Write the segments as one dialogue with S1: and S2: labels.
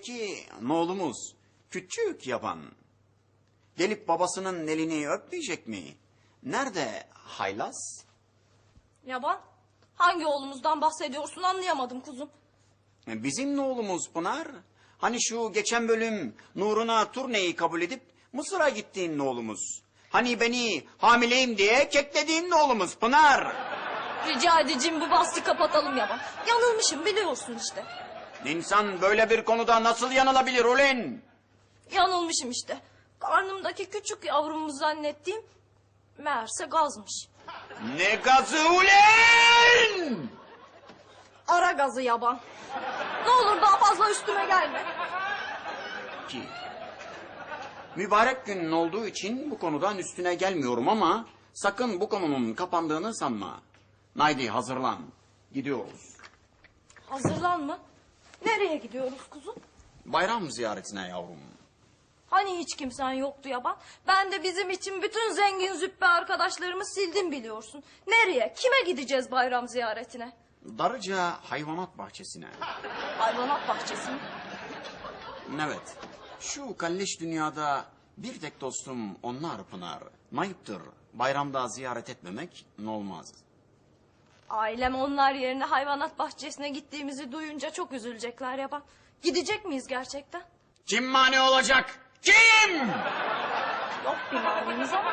S1: Peki oğlumuz küçük yaban gelip babasının elini öpmeyecek mi? Nerede haylaz?
S2: Yaban, hangi oğlumuzdan bahsediyorsun anlayamadım kuzum.
S1: Bizim oğlumuz Pınar. Hani şu geçen bölüm Nuruna turneyi kabul edip Mısır'a gittiğin oğlumuz. Hani beni hamileyim diye keklediğin oğlumuz Pınar.
S2: Rica edeceğim bu bahsi kapatalım Yaban. Yanılmışım biliyorsun işte.
S1: İnsan böyle bir konuda nasıl yanılabilir ulen?
S2: Yanılmışım işte. Karnımdaki küçük yavrumu zannettiğim meğerse gazmış.
S1: Ne gazı ulen?
S2: Ara gazı Yaban. Ne olur daha fazla üstüme gelme.
S1: Ki mübarek günün olduğu için bu konudan üstüne gelmiyorum ama sakın bu konunun kapandığını sanma. Haydi hazırlan. Gidiyoruz.
S2: Hazırlan mı? Nereye gidiyoruz kuzum?
S1: Bayram ziyaretine yavrum.
S2: Hani hiç kimsen yoktu Yaban? Ben de bizim için bütün zengin züppe arkadaşlarımı sildim biliyorsun. Nereye? Kime gideceğiz bayram ziyaretine?
S1: Darıca hayvanat bahçesine.
S2: Hayvanat bahçesi mi?
S1: Evet. Şu kalleş dünyada bir tek dostum onlar Pınar. Ayıptır. Bayramda ziyaret etmemek ne olmaz.
S2: Ailem onlar yerine hayvanat bahçesine gittiğimizi duyunca çok üzülecekler Yaban. Gidecek miyiz gerçekten?
S1: Kim mani olacak? Kim?
S2: Yok bir manimiz ama.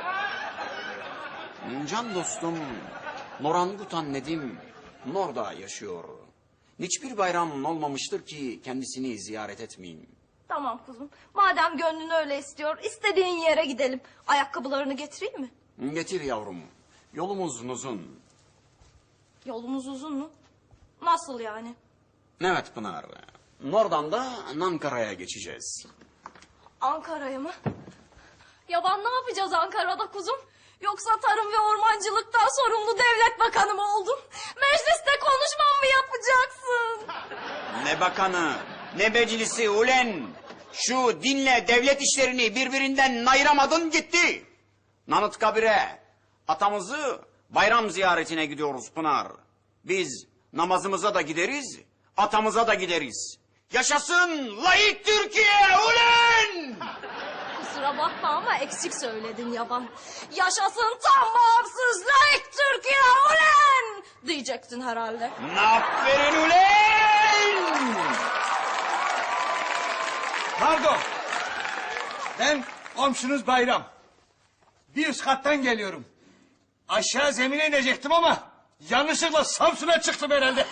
S1: Can dostum Norangutan Nedim Nor'da yaşıyor. Hiçbir bayram olmamıştır ki kendisini ziyaret etmeyeyim.
S2: Tamam kuzum. Madem gönlün öyle istiyor, istediğin yere gidelim. Ayakkabılarını getireyim mi?
S1: Getir yavrum. Yolumuz uzun.
S2: Yolumuz uzun mu? Nasıl yani?
S1: Evet Pınar. Nor'dan da Ankara'ya geçeceğiz.
S2: Ankara'ya mı? Yaban ne yapacağız Ankara'da kuzum? Yoksa tarım ve ormancılıktan sorumlu devlet bakanı mı oldun? Mecliste konuşmam mı yapacaksın?
S1: Ne bakanı, ne meclisi ulen. Şu dinle devlet işlerini birbirinden ayıramadın gitti. Nanıtkabir'e atamızı bayram ziyaretine gidiyoruz Pınar. Biz namazımıza da gideriz, atamıza da gideriz. Yaşasın layık Türkiye ulen!
S2: Kusura bakma ama eksik söyledin Yaban. Yaşasın tam bağımsız layık Türkiye ulen! Diyecektin herhalde.
S1: Aferin ulen!
S3: Pardon. Ben komşunuz Bayram. Bir üst kattan geliyorum. Aşağı zemine inecektim ama yanlışlıkla Samsun'a çıktım herhalde.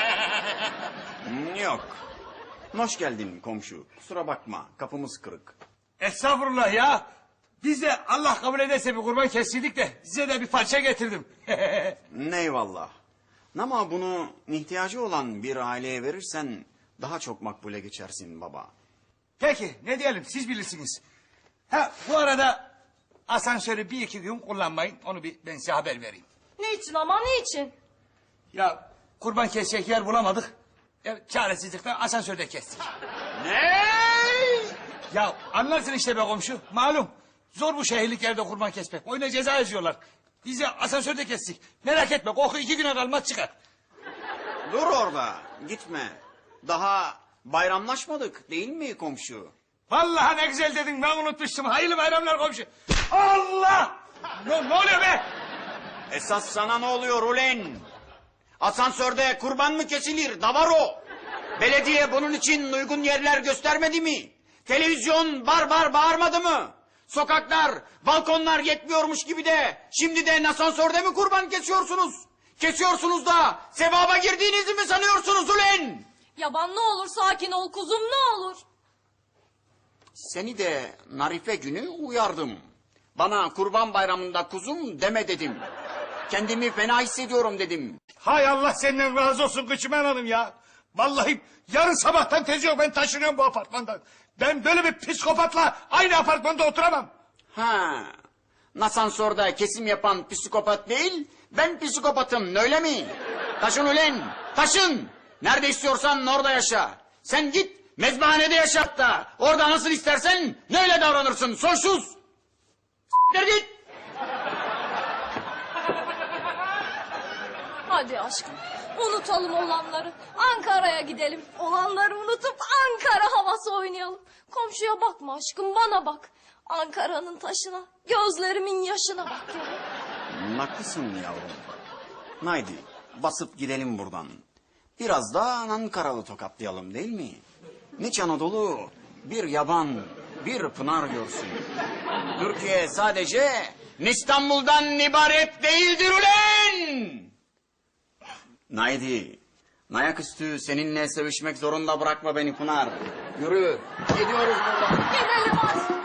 S1: Yok. Hoş geldin komşu. Kusura bakma kapımız kırık.
S3: Estağfurullah ya. Biz de Allah kabul ederse bir kurban kestirdik de size de bir parça getirdim.
S1: Eyvallah. Ama bunu ihtiyacı olan bir aileye verirsen daha çok makbule geçersin baba.
S3: Peki ne diyelim siz bilirsiniz. Ha bu arada asansörü bir iki gün kullanmayın. Onu ben size haber vereyim.
S2: Niçin ama niçin?
S3: Ya kurban kesecek yer bulamadık. Çaresizlikten asansörde kestik.
S1: Ne?
S3: Ya anlarsın işte be komşu. Malum zor bu şehirlik yerde kurban kesmek. Oyuna ceza yazıyorlar. Biz de asansörde kestik. Merak etme koku 2 güne kalmaz çıkar.
S1: Dur orada gitme. Daha bayramlaşmadık değil mi komşu?
S3: Vallahi ne güzel dedin ben unutmuştum. Hayırlı bayramlar komşu. Allah! Ne oluyor be?
S1: Esas sana ne oluyor ulen? Asansörde kurban mı kesilir davaro? Belediye bunun için uygun yerler göstermedi mi? Televizyon bağırmadı mı? Sokaklar, balkonlar yetmiyormuş gibi de şimdi de asansörde mi kurban kesiyorsunuz? Kesiyorsunuz da sevaba girdiğinizi mi sanıyorsunuz ulen?
S2: Yaban ne olur sakin ol kuzum ne olur.
S1: Seni de Narife günü uyardım. Bana kurban bayramında kuzum deme dedim. Kendimi fena hissediyorum dedim.
S3: Hay Allah senden razı olsun Kıçımen Hanım ya. Vallahi yarın sabahtan tezi yok ben taşınıyorum bu apartmandan. Ben böyle bir psikopatla aynı apartmanda oturamam.
S1: Ha, asansörde kesim yapan psikopat değil, ben psikopatım öyle mi? Taşın ulen, taşın. Nerede istiyorsan orada yaşa. Sen git mezbahanede yaşa hatta. Orada nasıl istersen öyle davranırsın soysuz. S**tir git.
S2: Hadi aşkım Unutalım olanları. Ankara'ya gidelim. Olanları unutup Ankara havası oynayalım. Komşuya bakma aşkım, bana bak. Ankara'nın taşına, gözlerimin yaşına bak ya.
S1: Haklısın yavrum. Haydi basıp gidelim buradan. Biraz da Ankaralı tokatlayalım değil mi? Niç Anadolu bir yaban, bir pınar görsün. Türkiye sadece İstanbul'dan ibaret değildir ulen! Haydi, ayaküstü seninle sevişmek zorunda bırakma beni Pınar. Yürü, gidiyoruz buradan.
S2: Gidelim aşkım.